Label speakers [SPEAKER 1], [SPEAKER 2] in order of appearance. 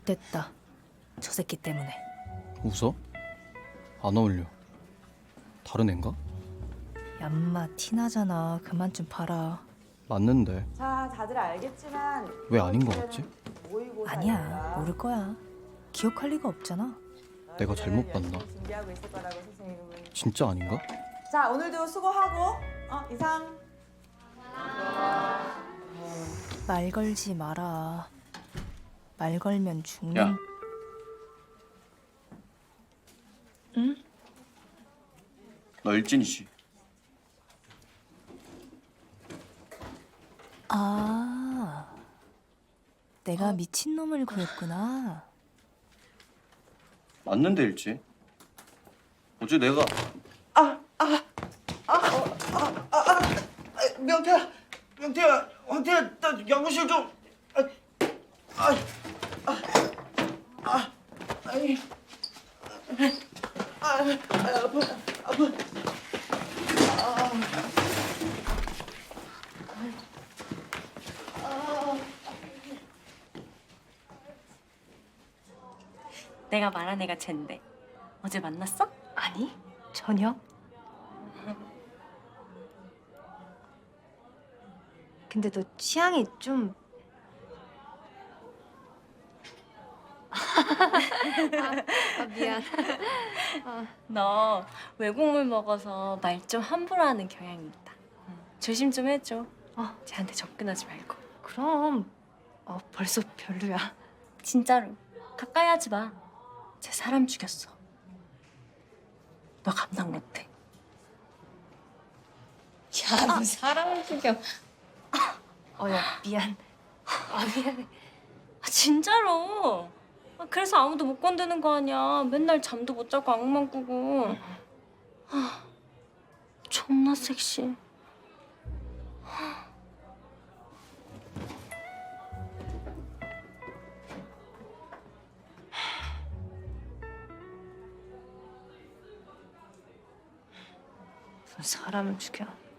[SPEAKER 1] 됐다. 저 새끼 때문에.
[SPEAKER 2] 웃어? 안 어울려. 다른 앤가?
[SPEAKER 1] 얌마 티나잖아. 그만 좀 봐라.
[SPEAKER 2] 맞는데
[SPEAKER 3] 자, 다들 알겠지만
[SPEAKER 2] 왜 아닌 거 같지?
[SPEAKER 1] 아니야. 모를 거야. 기억할 리가 없잖아.
[SPEAKER 2] 내가 잘못 봤나?
[SPEAKER 3] 준비하고 있을 거라고 선생님은.
[SPEAKER 2] 진짜 아닌가?
[SPEAKER 3] 자, 오늘도 수고하고 이상.
[SPEAKER 1] 말 걸지 마라. 말 걸면 죽는.
[SPEAKER 2] 야.
[SPEAKER 1] 응?
[SPEAKER 2] 너 일진이지?
[SPEAKER 1] 아, 내가 미친놈을 구했구나.
[SPEAKER 2] 맞는데 일진. 어제 내가
[SPEAKER 4] 명태야, 황태야, 나 연구실 좀. 아파.
[SPEAKER 5] 내가 말한 애가 쟨데. 어제 만났어?
[SPEAKER 1] 아니, 전혀. 근데 너 취향이 좀... 미안.
[SPEAKER 5] 너 외국물 먹어서 말 좀 함부로 하는 경향이 있다. 조심 좀 해줘. 쟤한테 접근하지 말고.
[SPEAKER 1] 그럼 벌써 별로야.
[SPEAKER 5] 진짜로. 가까이 하지 마. 쟤 사람 죽였어. 너 감당 못해.
[SPEAKER 1] 야, 너 사람을 죽여. 야, 미안. 미안해.
[SPEAKER 5] 진짜로. 그래서 아무도 못 건드는 거 아니야. 맨날 잠도 못 자고 악몽 꾸고. 존나 섹시해.
[SPEAKER 1] 무슨 사람을 죽여.